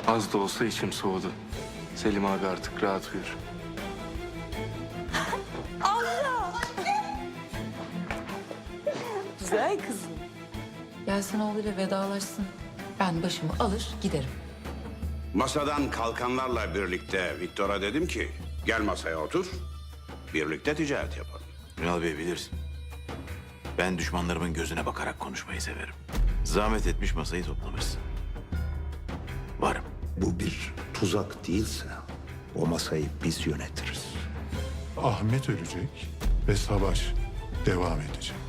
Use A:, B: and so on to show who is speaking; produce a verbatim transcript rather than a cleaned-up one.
A: Az da olsa içim soğudu. Selim abi artık rahat uyur.
B: Güzel kızım.
C: Gelsin oğluyla vedalaşsın. Ben başımı alır giderim.
D: Masadan kalkanlarla birlikte Viktor'a dedim ki gel masaya otur. Birlikte ticaret yapalım.
E: Ünal Bey bilirsin. Ben düşmanlarımın gözüne bakarak konuşmayı severim. Zahmet etmiş masayı toplamışsın. Varım.
F: Bu bir tuzak değilse o masayı biz yönetiriz.
G: Ahmet ölecek ve savaş devam edecek.